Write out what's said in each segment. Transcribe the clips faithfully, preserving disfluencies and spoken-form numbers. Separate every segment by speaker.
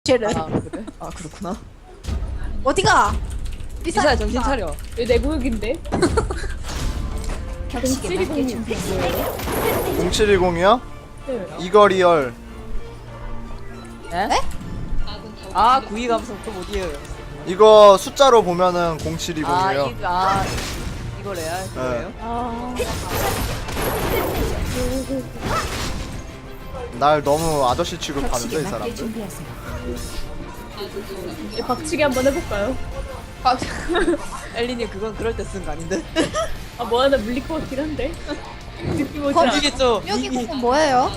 Speaker 1: 쟤는
Speaker 2: 아 그래? 아 그렇구나.
Speaker 1: 어디가?
Speaker 2: 리사야 정신 차려.
Speaker 3: 얘 내 구역인데?
Speaker 4: 격식에 맞게 준비하세요.
Speaker 5: 공칠이공이요?
Speaker 3: 네.
Speaker 5: 이거 리얼.
Speaker 2: 에? 아 구이 감성 또 어디에요?
Speaker 5: 이거 숫자로 보면은
Speaker 2: 아,
Speaker 5: 공칠이공이에요.
Speaker 2: 이, 아 이거 레알 그거예요?
Speaker 3: 아,
Speaker 5: 날 너무 아저씨 취급하는데 이
Speaker 4: 격식에 맞게
Speaker 5: 사람들.
Speaker 4: 준비하세요.
Speaker 3: 얘 박치기 한번 해볼까요?
Speaker 2: 아, 엘리님 그건 그럴 때 쓴 거 아닌데?
Speaker 3: 아, 뭐 하나 물릴 것 같긴 한데? 느낌 오지
Speaker 1: 거기-
Speaker 3: 않아?
Speaker 2: 모르겠죠?
Speaker 1: 여기 공은 뭐예요?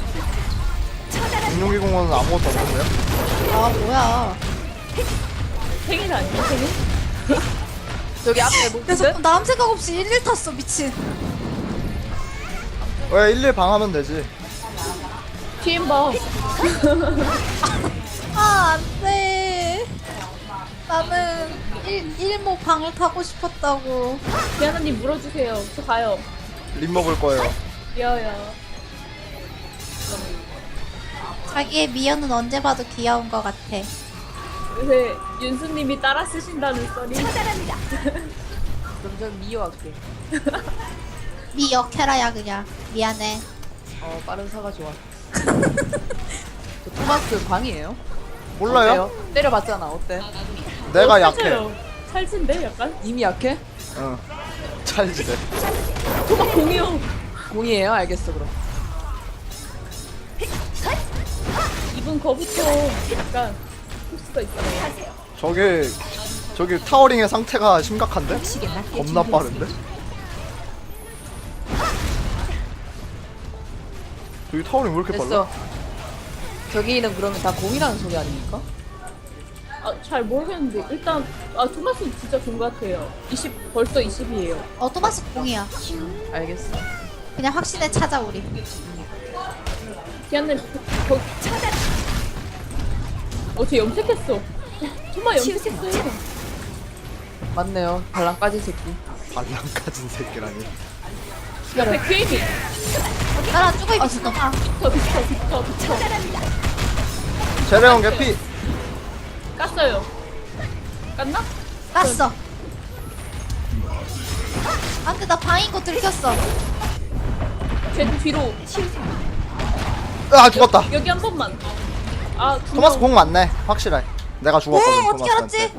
Speaker 5: 공룡기공원은 아무것도 없는데요?
Speaker 1: 아 뭐야?
Speaker 3: 생일 아니야, 생일?
Speaker 2: 저기 앞에
Speaker 1: 야
Speaker 2: 뭔데?
Speaker 1: 자꾸 나 아무 생각 없이 일일 탔어 미친.
Speaker 5: 왜 일일 방하면 되지?
Speaker 3: 티엠버.
Speaker 1: 아 안돼. 나는 일 일모 방을 타고 싶었다고.
Speaker 3: 디아나님 물어주세요. 저 가요.
Speaker 5: 립 먹을 거예요.
Speaker 3: 미아야.
Speaker 1: 자기의 미연은 언제 봐도 귀여운 것 같아.
Speaker 3: 요새 윤수님이 따라 쓰신다는 썰이.
Speaker 2: 그럼 전 미호 할게.
Speaker 1: 미 역해라야 그냥. 미안해.
Speaker 2: 어 빠른 사과 좋아. 저 토마스 광이에요?
Speaker 5: 몰라요?
Speaker 2: 어때요? 때려봤잖아 어때?
Speaker 5: 내가
Speaker 3: 어,
Speaker 5: 약해.
Speaker 3: 살쪄요. 살찐데 약간?
Speaker 2: 이미 약해?
Speaker 5: 응. 찰지대.
Speaker 3: 토막 공이요.
Speaker 2: 공이에요? 알겠어 그럼.
Speaker 3: 이분 거부터 약간 코스가 있잖아요.
Speaker 5: 저기 저기 타워링의 상태가 심각한데?
Speaker 4: 격식에 맞게
Speaker 5: 겁나
Speaker 4: 준비하세요.
Speaker 5: 빠른데? 저기 타워링 왜 이렇게 빨라?
Speaker 2: 됐어. 저기는 그러면 다 공이라는 소리 아닙니까?
Speaker 3: 아, 잘 모르겠는데 일단 아 토마스 진짜 좋은 것 같아요. 이십 벌써 이십이에요.
Speaker 1: 어 토마스 공이야.
Speaker 2: 알겠어.
Speaker 1: 그냥 확신에 찾아 우리.
Speaker 3: 디아나님 거 차단. 어쟤 염색했어. 토마 염색했어요.
Speaker 2: 맞네요. 발랑 빠진 새끼.
Speaker 5: 발랑 가진 새끼라니.
Speaker 3: 옆에 크레이미.
Speaker 1: 나랑 죽어 이 미친놈아.
Speaker 3: 빅터 빅터 빅터 빅터.
Speaker 5: 제레온 개피.
Speaker 3: 깠어요. 깠나?
Speaker 1: 깠어. 아 근데 나 방인 거 들켰어.
Speaker 3: 쟤 뒤로
Speaker 5: 아 죽었다.
Speaker 3: 여기 한 번만. 아 두
Speaker 5: 토마스
Speaker 3: 명.
Speaker 5: 공 맞네. 확실해. 내가 죽었거든
Speaker 1: 에 어떻게
Speaker 5: 토마스한테.
Speaker 1: 알았지?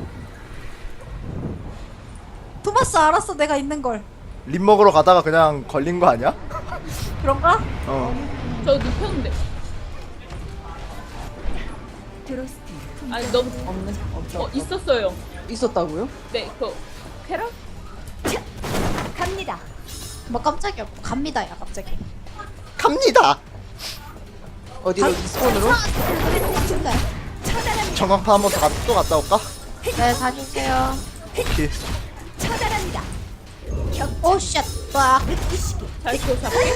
Speaker 1: 토마스 알았어 내가 있는 걸.
Speaker 5: 립 먹으러 가다가 그냥 걸린 거 아니야?
Speaker 1: 그런가?
Speaker 5: 어.
Speaker 3: 저 눕혔는데.
Speaker 4: 드로스트.
Speaker 3: 아니 너무
Speaker 2: 없네. 없다.
Speaker 3: 어 있었어요.
Speaker 2: 있었다고요?
Speaker 3: 네, 그 캐럴?
Speaker 4: 갑니다.
Speaker 1: 뭐 깜짝이야. 갑니다 야 갑자기.
Speaker 5: 갑니다.
Speaker 2: 어디로 리스폰으로?
Speaker 1: 근데
Speaker 5: 전광판 한번 더 또 갔다 올까?
Speaker 1: 네 다녀오세요.
Speaker 5: 오케이.
Speaker 4: 처단합니다.
Speaker 1: 오쉣 와.
Speaker 4: 느끼시게.
Speaker 3: 잘 키워 잡게.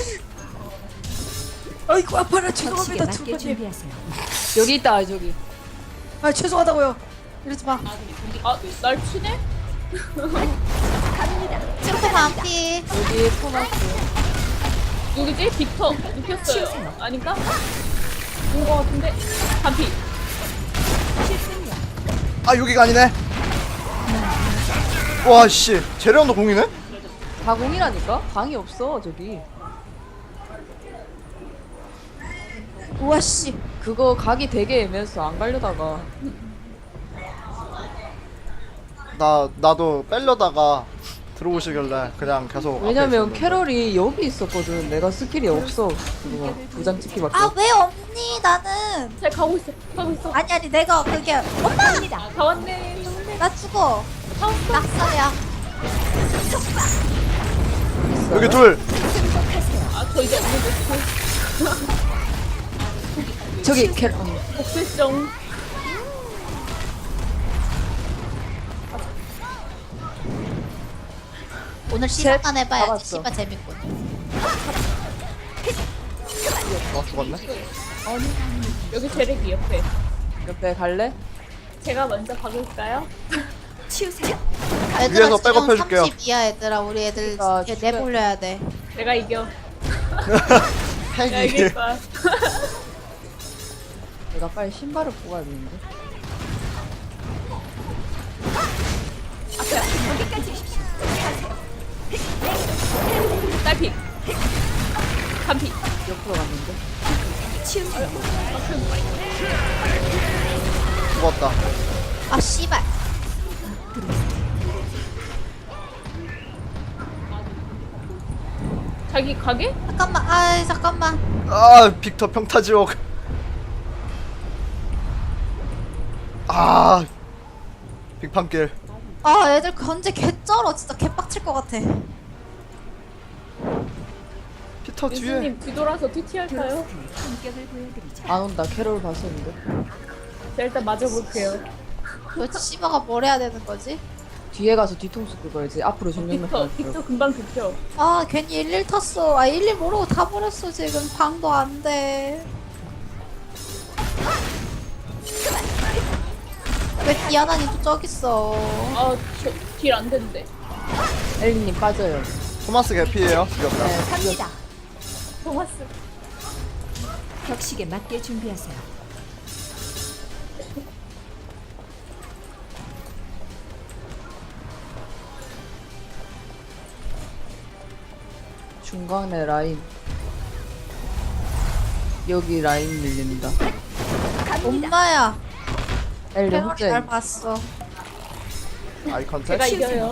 Speaker 1: 아이고 아파라
Speaker 4: 격식에
Speaker 1: 죄송합니다
Speaker 4: 맞게
Speaker 1: 주부님.
Speaker 4: 준비하세요.
Speaker 2: 여기 있다 저기.
Speaker 1: 아 죄송하다고요. 이러지 마.
Speaker 3: 아, 날 치네?
Speaker 4: 갑니다.
Speaker 1: 트로프 반피.
Speaker 2: 여기 토마스.
Speaker 3: 누구지? 빅터 눕혔어요.
Speaker 4: 치우세요.
Speaker 3: 아닌가? 좋은 거 같은데? 반피.
Speaker 4: 실승이요.
Speaker 5: 아 여기가 아니네. 와 씨. 제레온도 공이네?
Speaker 2: 다 공이라니까? 방이 없어 저기.
Speaker 1: 우와 씨.
Speaker 2: 그거 각이 되게 애매해서 안 가려다가.
Speaker 5: 나 나도 빼려다가 들어오시길래 그냥 계속 앞에
Speaker 2: 왜냐면
Speaker 5: 있었는데.
Speaker 2: 캐럴이 여기 있었거든. 내가 스킬이 없어. 그거 두 장 찍기밖에.
Speaker 1: 아 왜 없니 나는.
Speaker 3: 잘 가고 있어. 가고 있어.
Speaker 1: 아니 아니 내가 그게 엄마
Speaker 4: 갑니다.
Speaker 3: 다 왔네.
Speaker 1: 나 죽어.
Speaker 3: 다 왔어.
Speaker 1: 낙사야.
Speaker 5: 여기 둘.
Speaker 3: 아, 저 이제 없는데.
Speaker 2: 저기 캐럴.
Speaker 3: 복수정.
Speaker 1: 오늘 시간만
Speaker 2: 잡았어.
Speaker 1: 해봐야지. 씨발 재밌군.
Speaker 5: 어 죽었네.
Speaker 3: 여기 제렉이 옆에.
Speaker 2: 옆에 갈래?
Speaker 3: 제가 먼저 박을까요?
Speaker 4: 치우세요.
Speaker 1: 얘들아
Speaker 5: 위에서
Speaker 1: 지금
Speaker 5: 백업 해줄게요.
Speaker 1: 삼십이야 얘들아. 우리 애들
Speaker 2: 아,
Speaker 1: 이렇게
Speaker 2: 진짜.
Speaker 1: 내몰려야 돼.
Speaker 3: 내가 이겨. 내가
Speaker 5: 핵이.
Speaker 3: 이길 거야.
Speaker 2: 내가 빨리 신발을 뽑아야 되는데.
Speaker 3: 딸피. 간피.
Speaker 2: 옆으로 갔는데.
Speaker 4: 치우세요.
Speaker 5: 죽었다.
Speaker 1: 아 씨발.
Speaker 3: 자기 가게?
Speaker 1: 잠깐만. 아 잠깐만.
Speaker 5: 아 빅터 평타지옥. 아 빅판길.
Speaker 1: 아 애들 견제 개쩔어. 진짜 개빡칠 것 같아.
Speaker 5: 피터 뒤에.
Speaker 3: 민수님 뒤돌아서 티티 할까요?
Speaker 4: 품격을 보여드리죠.
Speaker 2: 안 온다. 캐롤 봤었는데.
Speaker 3: 자 일단 맞아볼게요.
Speaker 1: 도대체 씨바가 뭘 해야 되는 거지?
Speaker 2: 뒤에 가서 뒤통수 긁어야지. 앞으로 정면만
Speaker 3: 빅터
Speaker 2: 가서.
Speaker 3: 빅터 금방 긁혀.
Speaker 1: 아 괜히 일일 탔어. 아 일일 모르고 다 버렸어 지금. 방도 안 돼. 왜 디아나니 또 저기 있어?
Speaker 3: 아저딜 안 된대.
Speaker 2: 엘리님 빠져요.
Speaker 5: 토마스 개피예요. 죽였다.
Speaker 2: 네,
Speaker 4: 갑니다.
Speaker 3: 토마스.
Speaker 4: 격식에 맞게 준비하세요.
Speaker 2: 중간에 라인. 여기 라인 밀린다.
Speaker 1: 엄마야.
Speaker 2: 엘리
Speaker 1: 패널이
Speaker 2: 혼자.
Speaker 1: 날 봤어.
Speaker 5: 아이 컨택.
Speaker 3: 제가 이겨요.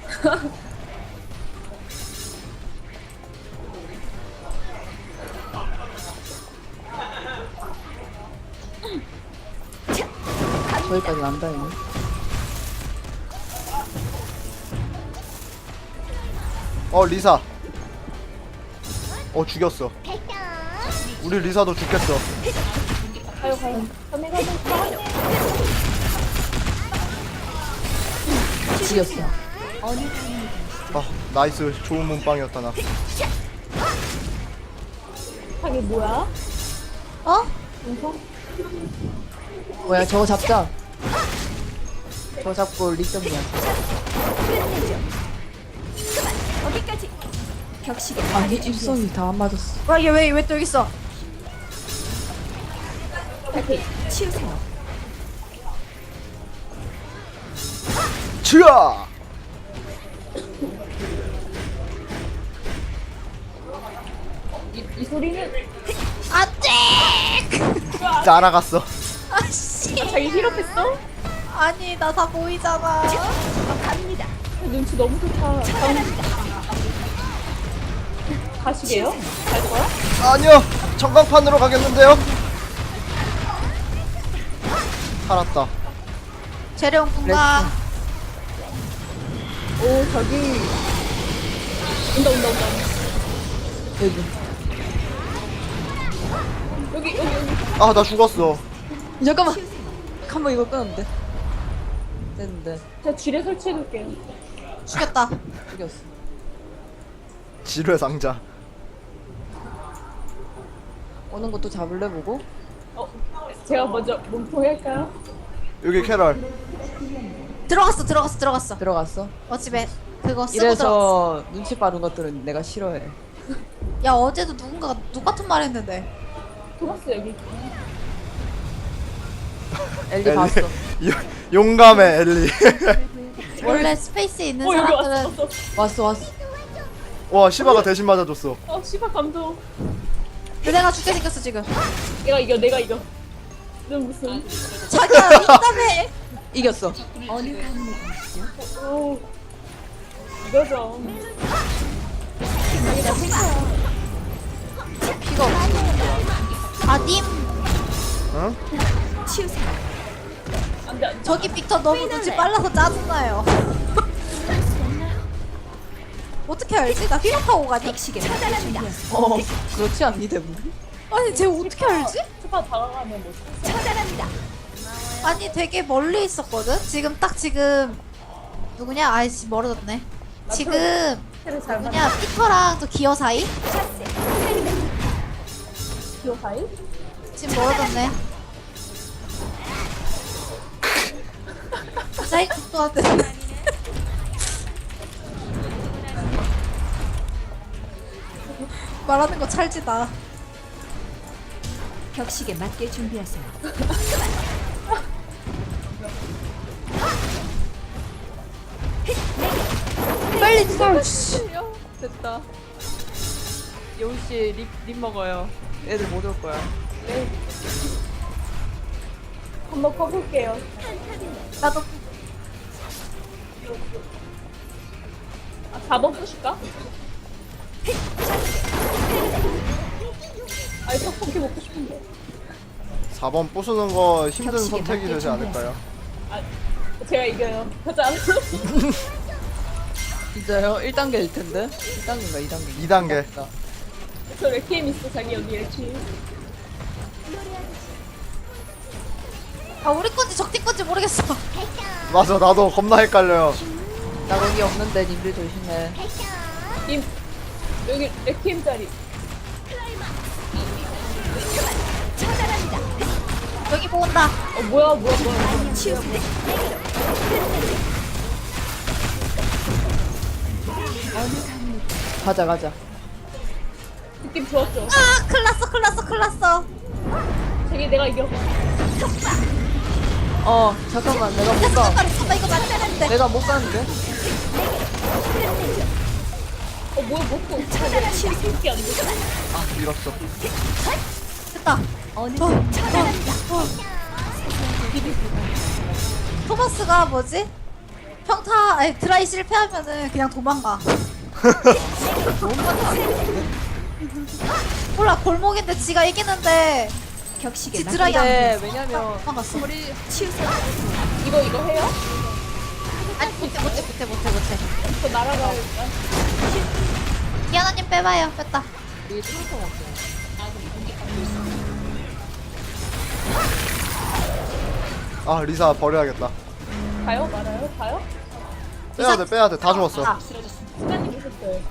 Speaker 2: 저기까지 안 다니네.
Speaker 5: 어 리사. 어 죽였어. 우리 리사도 죽겠어.
Speaker 3: 가요 가요. 가네 가네.
Speaker 2: 죽였어.
Speaker 5: 아 나이스. 좋은 문빵이었다 나.
Speaker 3: 하게 뭐야?
Speaker 1: 어?
Speaker 2: 뭐야 저거 잡자. 저거 잡고 리점이야.
Speaker 4: 거기까지. 격식에
Speaker 2: 아니
Speaker 4: 맞게 준비하세요.
Speaker 2: 입성이 다 안 맞았어.
Speaker 1: 와 얘 왜 왜 또 여기 있어?
Speaker 4: 치우세요.
Speaker 5: 쥐야.
Speaker 3: 이, 이 소리는
Speaker 1: 안돼.
Speaker 5: 날아갔어.
Speaker 1: 아씨.
Speaker 3: 자기 힐업했어?
Speaker 1: 아니 나 다 보이잖아.
Speaker 4: 갑니다.
Speaker 3: 눈치 너무 좋다. 가시게요? 갈 거야?
Speaker 5: 아니요. 전광판으로 가겠는데요. 살았다.
Speaker 1: 재령 군가.
Speaker 3: 오 저기 온다 온다 온다.
Speaker 2: 여기.
Speaker 3: 여기 여기 여기.
Speaker 5: 아 나 죽었어.
Speaker 2: 잠깐만. 한번 이거 끊었는데. 됐는데.
Speaker 3: 제가 지뢰 설치해둘게요.
Speaker 1: 죽였다.
Speaker 2: 죽였어.
Speaker 5: 지뢰 상자.
Speaker 2: 오는 것도 잡을래 보고.
Speaker 3: 어 제가 먼저 몸통이 할까요?
Speaker 5: 여기 캐럴.
Speaker 1: 들어갔어 들어갔어 들어갔어.
Speaker 2: 들어갔어.
Speaker 1: 어 집에 그거 쓰고 들어갔어.
Speaker 2: 이래서 눈치 빠른 것들은 내가 싫어해.
Speaker 1: 야 어제도 누군가가 똑같은 말 했는데.
Speaker 3: 토마스 여기.
Speaker 2: 엘리 봤어.
Speaker 5: 용- 용감해 엘리.
Speaker 1: 원래 스페이스에 있는
Speaker 3: 어 여기 왔어
Speaker 1: 사람들은
Speaker 3: 왔어.
Speaker 2: 왔어 왔어.
Speaker 5: 와 시바가 대신 맞아줬어.
Speaker 3: 어 씨발 감동.
Speaker 1: 내가 죽게 생겼어 지금.
Speaker 3: 내가 이겨 내가 이겨. 너 무슨?
Speaker 1: 자기야 있다며.
Speaker 2: 이겼어.
Speaker 4: 어느 가문에 가시죠?
Speaker 3: 오 이거죠.
Speaker 1: 피가 없어. 아님
Speaker 5: 응?
Speaker 4: 치우세요.
Speaker 3: 안돼 안돼.
Speaker 1: 저기 빅터 너무 눈치 빨라서 짜증나요. 어떻게 알지? 나 휘력하고 가니?
Speaker 4: 격식에 맞게 준비하세요.
Speaker 2: 어 그렇지 않니 대부분?
Speaker 1: 아니 쟤 어떻게 알지?
Speaker 3: 스파 다가가면 뭐?
Speaker 4: 처단합니다.
Speaker 1: 아니 되게 멀리 있었거든? 지금 딱 지금 누구냐? 아이씨 멀어졌네. 지금
Speaker 3: 테레 잘
Speaker 1: 누구냐? 피터랑 또 기어 사이?
Speaker 3: 기어 사이?
Speaker 1: 지금 멀어졌네. 사이클도 안 되네. 말하는 거 찰지다.
Speaker 4: 격식에 맞게 준비하세요.
Speaker 1: 빨리 썰.
Speaker 2: 됐다. 여우씨 립, 립 먹어요. 애들 못 올 거야.
Speaker 3: 네. 한번 꺼볼게요.
Speaker 1: 나도
Speaker 3: 아, 사 번 push까? 아니, 떡볶이 먹고 싶은데.
Speaker 5: 사 번 부수는 거 힘든
Speaker 4: 격식에
Speaker 5: 선택이
Speaker 4: 맞게
Speaker 5: 되지 않을까요?
Speaker 3: 아, 제가 이겨요. 가자.
Speaker 2: 진짜요? 일 단계일 텐데? 일 단계인가 이 단계?
Speaker 5: 이 단계.
Speaker 3: 저 레퀴엠 있어, 자기 여기 레퀴엠.
Speaker 1: 아 우리 건지 적팀 건지 모르겠어.
Speaker 5: 맞아, 나도 겁나 헷갈려요.
Speaker 2: 나 거기 없는데 님들 조심해.
Speaker 3: 임, 여기 레퀴엠 자리.
Speaker 1: 여기 보온다.
Speaker 3: 어, 뭐야, 뭐야, 뭐야.
Speaker 4: 치우세요.
Speaker 2: 가자 가자.
Speaker 3: 느낌 좋았죠?
Speaker 1: 아 클났어 클났어 클났어.
Speaker 3: 자기 내가 이겨.
Speaker 2: 어 잠깐만 내가 못 가.
Speaker 1: 잠깐만 잠깐 이거 맞다는데.
Speaker 2: 내가 못 가는데?
Speaker 3: 어, 뭐야, 먹고. 자기 치우기 안 돼.
Speaker 5: 아, 밀었어.
Speaker 1: 됐다.
Speaker 4: 어느
Speaker 1: 어,
Speaker 4: 날 처단합니다.
Speaker 1: 어, 어. 토마스가 뭐지? 평타 아니 드라이 실패하면은 그냥 도망가. 몰라 골목인데 지가 이기는데
Speaker 4: 격식에
Speaker 1: 지
Speaker 4: 맞게
Speaker 1: 드라이 안
Speaker 2: 근데
Speaker 1: 돼.
Speaker 2: 왜냐면
Speaker 1: 도망갔어.
Speaker 2: 우리
Speaker 4: 치우세요.
Speaker 3: 이거, 이거 해요?
Speaker 1: 아니 못해 못해 못해 못해 못해.
Speaker 3: 저 날아가야겠다.
Speaker 1: 기아나님 빼봐요. 뺐다.
Speaker 2: 이게 트루퍼 먹자.
Speaker 5: 아, 리사 버려야겠다.
Speaker 3: 가요? 말아요? 가요?
Speaker 5: 빼야 돼, 빼야 돼. 다 죽었어.
Speaker 1: 아,
Speaker 3: 시간이 오셨어요.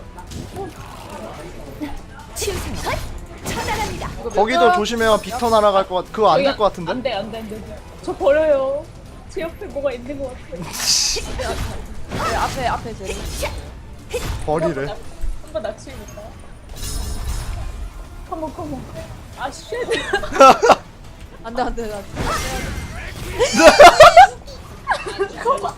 Speaker 4: 치우세요. 처단합니다.
Speaker 5: 거기도 조심해요. 빅터 날아갈 것 같. 그거 안 될 것
Speaker 3: 안
Speaker 5: 같은데?
Speaker 3: 돼, 안 돼, 안 돼. 저 버려요. 제 옆에 뭐가 있는 것 같아요.
Speaker 2: 네, 앞에 앞에 제일.
Speaker 5: 버리래.
Speaker 3: 한번 낮추니까. 컴온, 컴온. 아, 쉣.
Speaker 2: 안돼 안돼 안돼.
Speaker 3: 컴온.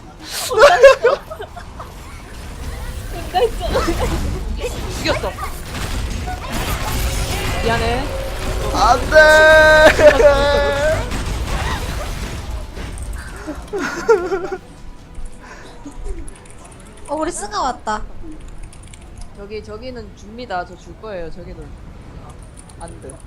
Speaker 3: 혼자 있잖아.
Speaker 2: 죽였어. 미안해.
Speaker 5: 안 돼!
Speaker 1: 어 우리 승아 왔다.
Speaker 2: 저기 저기는 줍니다. 저 줄 거예요. 저기는 안 돼.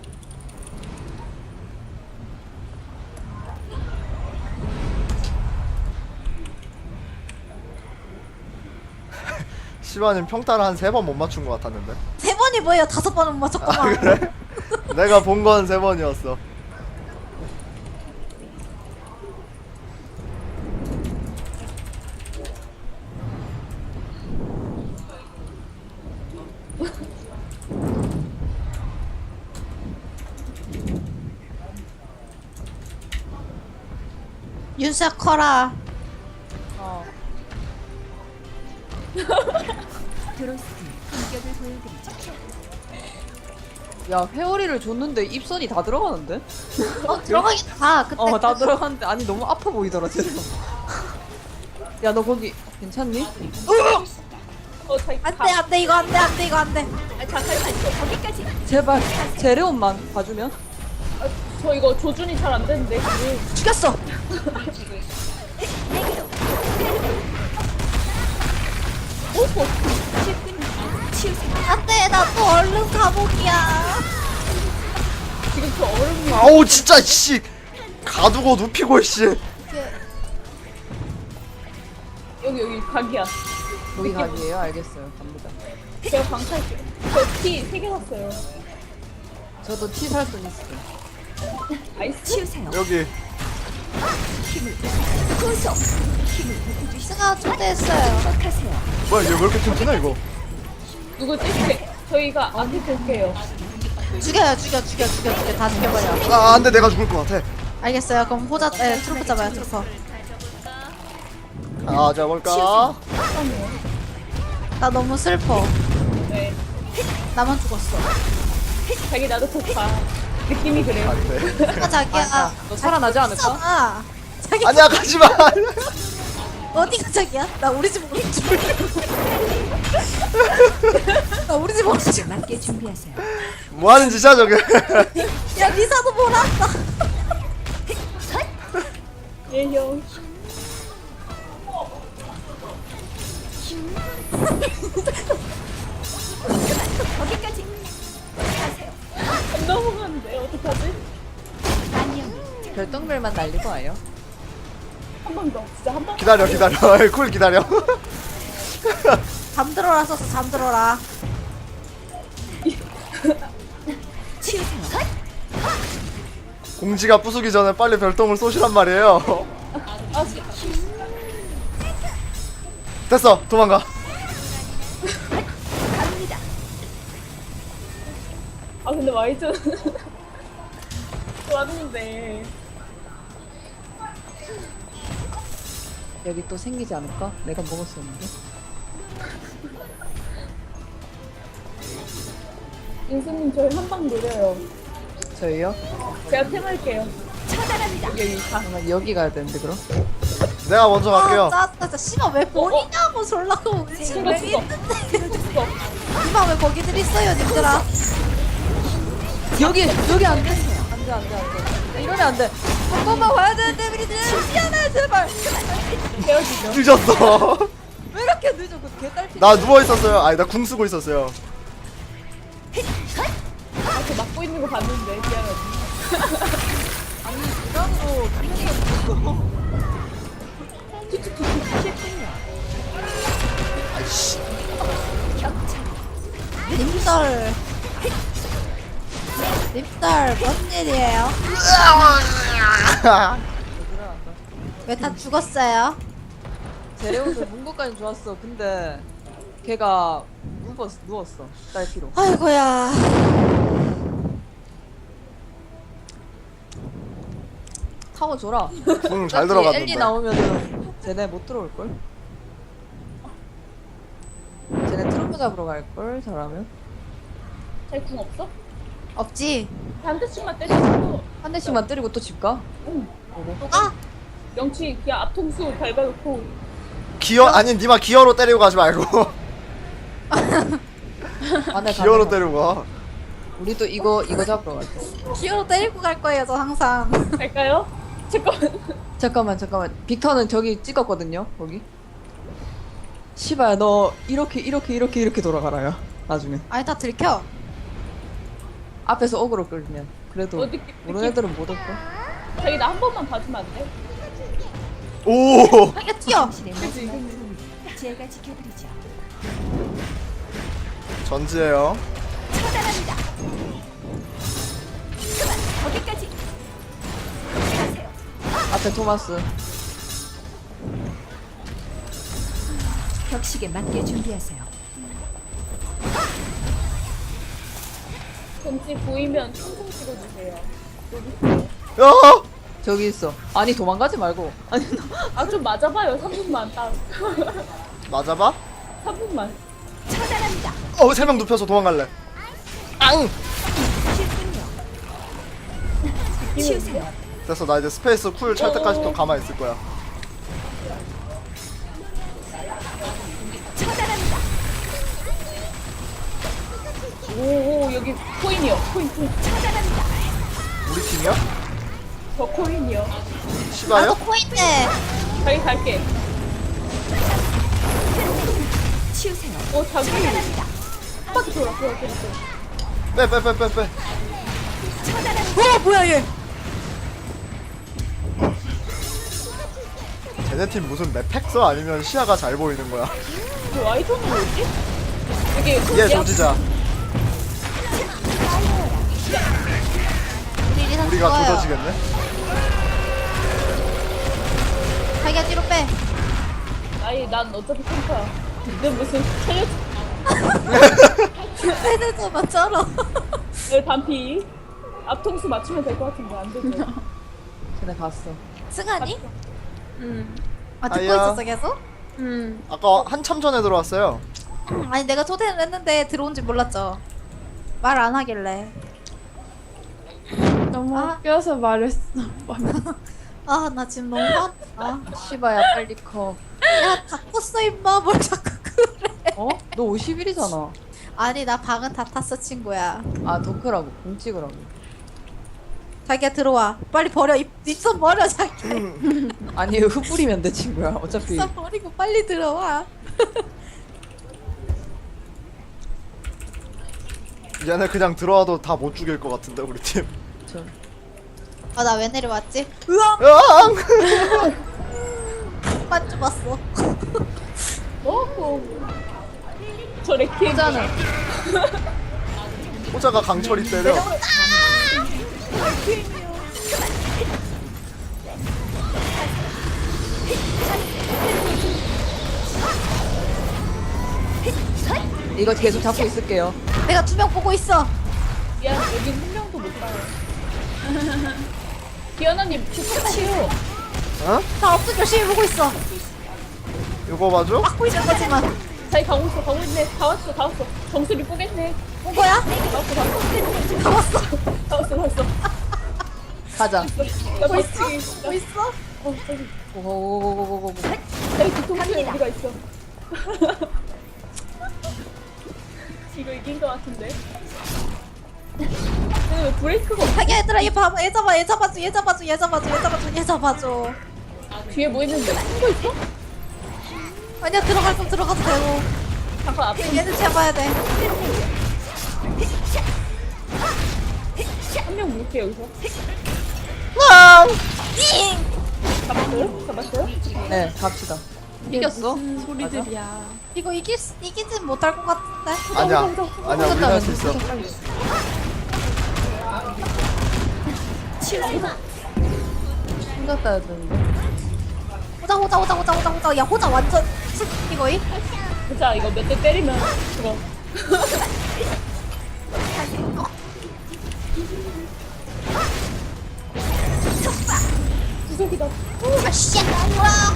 Speaker 5: 시바님 평타를 한 세 번 못 맞춘 것 같았는데.
Speaker 1: 세 번이 뭐예요? 다섯 번은 못 맞췄구만.
Speaker 5: 아, 그래? 내가 본 건 세 번이었어.
Speaker 1: 윤수야 커라.
Speaker 2: 어.
Speaker 4: 드로스트 공격을 보여드리죠.
Speaker 2: 야 회오리를 줬는데 입선이 다 들어가는데?
Speaker 1: 어 들어가긴 다. 그때
Speaker 2: 어 다
Speaker 1: 그-
Speaker 2: 들어가는데 아니 너무 아파 보이더라 쟤는. 야 너 거기 괜찮니?
Speaker 3: 어, 자기
Speaker 1: 안돼 안돼 이거 안돼 안돼 이거 안돼.
Speaker 3: 아, 잠깐만 있어.
Speaker 4: 거기까지.
Speaker 2: 제발 제레온만 봐주면?
Speaker 3: 아, 저 이거 조준이 잘 안 되는데, 지금.
Speaker 1: 죽였어.
Speaker 3: 오호.
Speaker 4: 치우세요.
Speaker 1: 안돼 나 또 얼른 감옥이야.
Speaker 3: 지금 저 얼음이.
Speaker 5: 아우, 진짜, 씨! 가두고 눕히고, 씨!
Speaker 3: 여기, 여기, 각이야.
Speaker 2: 여기 각이에요? 알겠어요. 갑니다.
Speaker 3: 제가 방탈게요. 저티 세 개 샀어요.
Speaker 2: 저도 티 살 수 있어요.
Speaker 3: 아이스?
Speaker 4: 치우세요.
Speaker 5: 여기.
Speaker 4: 구속.
Speaker 1: 승아 초대했어요.
Speaker 4: 회복하세요.
Speaker 5: 뭐야, 얘 왜 이렇게 튼튼해, 이거?
Speaker 3: 누구지? 제- 저희가 앞에 볼게요.
Speaker 1: 죽여요 죽여 죽여 죽여 죽여 다 죽여버려.
Speaker 5: 아, 안 돼. 내가 죽을 것 같아.
Speaker 1: 알겠어요. 그럼 호자 에 트루프 잡아요 트루프.
Speaker 5: 아, 잡을까?
Speaker 1: 나 너무 슬퍼.
Speaker 3: 네.
Speaker 1: 나만 죽었어.
Speaker 3: 자기 나도 더 가. 느낌이 그래요.
Speaker 5: 안돼.
Speaker 1: 아 자기야.
Speaker 2: 너 살아나지 않을까?
Speaker 1: 아 자기
Speaker 5: 아니야 가지마.
Speaker 1: 어디가 자기야? 나 우리 집 오는 줄. 나 우리 집 오는 줄.
Speaker 4: 맞게 준비하세요.
Speaker 5: 뭐 하는 짓이야 저게.
Speaker 1: 야 리사도 몰았다.
Speaker 3: 예형.
Speaker 4: 거기까지 가세요.
Speaker 3: 안 넘어가는데 어떡하지?
Speaker 4: 안녕.
Speaker 2: 별똥별만 날리고 와요.
Speaker 3: 한 번 더. 진짜 한 번.
Speaker 5: 기다려 기다려. 쿨 기다려.
Speaker 1: 잠들어라 써서 잠들어라.
Speaker 4: 치우세요.
Speaker 5: 공지가 부수기 전에 빨리 별똥을 쏘시란 말이에요.
Speaker 3: 아 진짜.
Speaker 5: 됐어 도망가.
Speaker 4: 갑니다.
Speaker 3: 아 근데 와이전 왔는데.
Speaker 2: 여기 또 생기지 않을까? 내가 먹었었는데.
Speaker 3: 인수님 저희 한 방 노려요.
Speaker 2: 저희요?
Speaker 3: 제가 템할게요.
Speaker 4: 처단합니다.
Speaker 3: 여기 가.
Speaker 2: 잠깐만 여기 가야 되는데 그럼?
Speaker 5: 내가 먼저 갈게요.
Speaker 1: 아 짜증나 진짜. 씨발 왜 버리냐고 졸라고. 지금
Speaker 3: 죽어
Speaker 1: 왜
Speaker 3: 죽어.
Speaker 1: 있는데.
Speaker 3: 죽어.
Speaker 1: 이봐 왜 거기들 있어요 님들아.
Speaker 2: 여기 여기 안 돼. 안돼 안돼 안돼. 이러면 안 돼. 한 번만 와야 되는데 우리들 미안해 제발.
Speaker 3: 헤어지죠.
Speaker 5: 늦었어.
Speaker 2: 왜 이렇게 늦어? 그 개딸피.
Speaker 5: 나 누워 있었어요. 아니 나 궁 쓰고 있었어요.
Speaker 3: 아, 저 막고 있는 거 봤는데 미안하지.
Speaker 2: 아니 이랑으로 분명히 없었어.
Speaker 5: 아이씨.
Speaker 1: 님들. 님들 뭔 일이에요? 왜 다 죽었어요?
Speaker 2: 제레오스 문고까지 좋았어. 근데 걔가 누웠어 누웠어 딸피로.
Speaker 1: 아이고야.
Speaker 2: 타워 줘라.
Speaker 5: 궁 잘
Speaker 2: 엘리
Speaker 5: 들어갔는데.
Speaker 2: 나오면은 쟤네 못 들어올 걸. 쟤네 트럼프 잡으러 갈 걸. 잘하면
Speaker 3: 잘궁 없어?
Speaker 1: 없지.
Speaker 3: 한 대씩만 때리고
Speaker 2: 한 대씩만 때리고 또 집 가.
Speaker 3: 응.
Speaker 2: 뭐고?
Speaker 1: 아
Speaker 3: 명치 그냥 앞통수 밟아놓고
Speaker 5: 기어 아니 니마 기어로 때리고 가지 말고
Speaker 2: 안에
Speaker 5: 기어로
Speaker 2: 가면
Speaker 5: 때리고 가.
Speaker 2: 우리도 이거 이거 잡으러 갈게.
Speaker 1: 기어로 때리고 갈 거예요 저 항상.
Speaker 3: 갈까요? 잠깐만.
Speaker 2: 잠깐만 잠깐만. 빅터는 저기 찍었거든요. 거기. 시바야 너 이렇게 이렇게 이렇게 이렇게 돌아가라요. 나중에
Speaker 1: 아니 다 들켜.
Speaker 2: 앞에서 어그로 끌면 그래도
Speaker 3: 어디
Speaker 2: 모르는 애들은 못 올걸.
Speaker 3: 자기 나 한 번만 봐주면 안 돼?
Speaker 5: 오.
Speaker 1: 자기가 튀어.
Speaker 4: 당신의 마지막 제가 지켜드리죠.
Speaker 5: 전지예요.
Speaker 4: 처단합니다. 그만 거기까지 가세요.
Speaker 2: 앞에 토마스.
Speaker 4: 격식에 맞게 준비하세요.
Speaker 3: 전지 보이면 충성 찍어주세요. 여기 있어요.
Speaker 5: 야.
Speaker 2: 저기 있어. 아니 도망가지 말고. 아니 너
Speaker 3: 아 좀 맞아봐요. 삼 분만 딱.
Speaker 5: 맞아봐.
Speaker 3: 삼 분만.
Speaker 4: 처단합니다.
Speaker 5: 어 세 명 눕혀서 도망갈래. 앙.
Speaker 4: 실군요. 치우세요.
Speaker 5: 됐어 나 이제 스페이스 쿨 찰 때까지 또 가만히 있을 거야.
Speaker 4: 처단합니다.
Speaker 3: 오오 여기 코인이요. 코인 코인.
Speaker 4: 처단합니다.
Speaker 5: 우리 팀이야?
Speaker 3: 저 코인이요.
Speaker 5: 시바요?
Speaker 1: 나도 코인데.
Speaker 3: 자기 갈게.
Speaker 4: 치우세요.
Speaker 3: 어 자기
Speaker 4: 처단합니다.
Speaker 3: 한 바퀴 돌아 돌아 돌아. 돌아.
Speaker 5: 빼 빼 빼 빼 빼.
Speaker 4: 처단합니다.
Speaker 1: 어 뭐야 얘.
Speaker 5: 쟤네 팀 무슨 맵팩서 아니면 시야가 잘 보이는 거야?
Speaker 3: 그 와이존은 뭐지? 여기
Speaker 5: 얘 조지자.
Speaker 1: 우리 리산
Speaker 5: 우리가
Speaker 1: 죽어요.
Speaker 5: 조져지겠네.
Speaker 1: 자기가 뒤로 빼.
Speaker 3: 아니 난 어차피 탱커야. 근데 무슨 살려
Speaker 1: 빼내줘봐 쩔어.
Speaker 3: 내 반피 앞통수 맞추면 될 것 같은데 안 되죠.
Speaker 2: 쟤네 갔어.
Speaker 1: 승하니?
Speaker 3: 음.
Speaker 1: 아 듣고
Speaker 5: 아야.
Speaker 1: 있었어 계속?
Speaker 3: 음.
Speaker 5: 아까 한참 전에 들어왔어요.
Speaker 1: 아니 내가 초대를 했는데 들어온지 몰랐죠. 말 안 하길래.
Speaker 6: 너무
Speaker 1: 아.
Speaker 6: 웃겨서 말했어.
Speaker 1: 아 나 지금 너무 화났다. 아,
Speaker 2: 시바야 빨리 커.
Speaker 1: 야 바꿨어 임마 뭘 자꾸 그래.
Speaker 2: 어? 너 오십일이잖아.
Speaker 1: 아니 나 방은 다 탔어 친구야.
Speaker 2: 아 더 크라고. 공 찍으라고.
Speaker 1: 자기야 들어와. 빨리 버려. 입, 입선 버려 자기.
Speaker 2: 아니 흙 뿌리면 돼 친구야. 어차피.
Speaker 1: 입선 버리고 빨리 들어와.
Speaker 5: 얘네 그냥 들어와도 다 못 죽일 것 같은데 우리 팀.
Speaker 2: 저.
Speaker 1: 아 나 왜 내려왔지? 으앙!
Speaker 5: 으앙!
Speaker 1: 만 좁았어.
Speaker 3: 어? 저 레키
Speaker 2: 호자는
Speaker 5: 호자가 강철이 때려.
Speaker 2: 이거 계속 잡고 있을게요.
Speaker 1: 내가 두 명 보고 있어.
Speaker 3: 미안 여기 한 명도 못 봐요. 기현아님 주파 치유.
Speaker 5: 어?
Speaker 1: 다 없어 열심히 보고 있어.
Speaker 5: 이거 봐줘?
Speaker 1: 막고 있는 거지만.
Speaker 3: 자기 가고 있어 가고 있네. 다 왔어 다 왔어. 정수리 뽀겠네.
Speaker 1: 온 거야?
Speaker 3: 다 왔어 다 왔어.
Speaker 1: 다 왔어.
Speaker 3: 다 왔어 다 왔어.
Speaker 2: 가자.
Speaker 3: 나 벌칙이.
Speaker 1: 보고 있어?
Speaker 3: 어 저기
Speaker 2: 오오오오오오.
Speaker 3: 자기 뒤통수에 우리가 있어. 이거 이긴 거 같은데. 근데 왜 브레이크가 없-
Speaker 1: 자기 얘들아 얘 봐봐. 얘 잡아 얘 잡아줘 얘 잡아줘 얘 잡아줘 얘 잡아줘 얘 잡아줘.
Speaker 3: 뒤에 뭐 있는데? 숨고 있어?
Speaker 1: 아니야 들어갈 거면 들어가도 되고.
Speaker 3: 잠깐 앞에
Speaker 1: 얘는 잡아야 돼.
Speaker 3: 한 명 물게요 여기서.
Speaker 5: 으앙!
Speaker 3: 잡았어요? 잡았어요?
Speaker 2: 네 갑시다. 이겼어?
Speaker 6: 소리들이야.
Speaker 1: 이거 이길 수, 이기진 못할 것 같은데.
Speaker 5: 아니야. 아니야 우리 할 수 있어.
Speaker 2: 생각 따야 되는데.
Speaker 1: 호자 호자 호자 호자 호자 호자. 야 호자 완전 술 이거이.
Speaker 3: 자 이거 몇 대 때리면 그거. 구석이다.
Speaker 1: 아씨. 우와.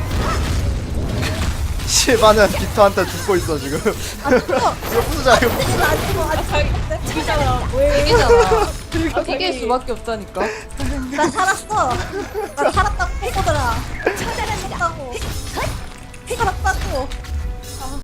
Speaker 5: 시바는 비터한테 죽고 있어 지금.
Speaker 1: 아 죽어.
Speaker 5: 이거 부수자 이거 부수자.
Speaker 1: 안 죽어 안
Speaker 3: 자기 죽이잖아. 뭐해?
Speaker 2: 이기잖아.
Speaker 3: 그리고
Speaker 2: 이길
Speaker 3: 자기
Speaker 2: 수밖에 없다니까.
Speaker 1: 죽어. 나 살았어. 나 살았다고 포고들아. 살았다고. 살았다고.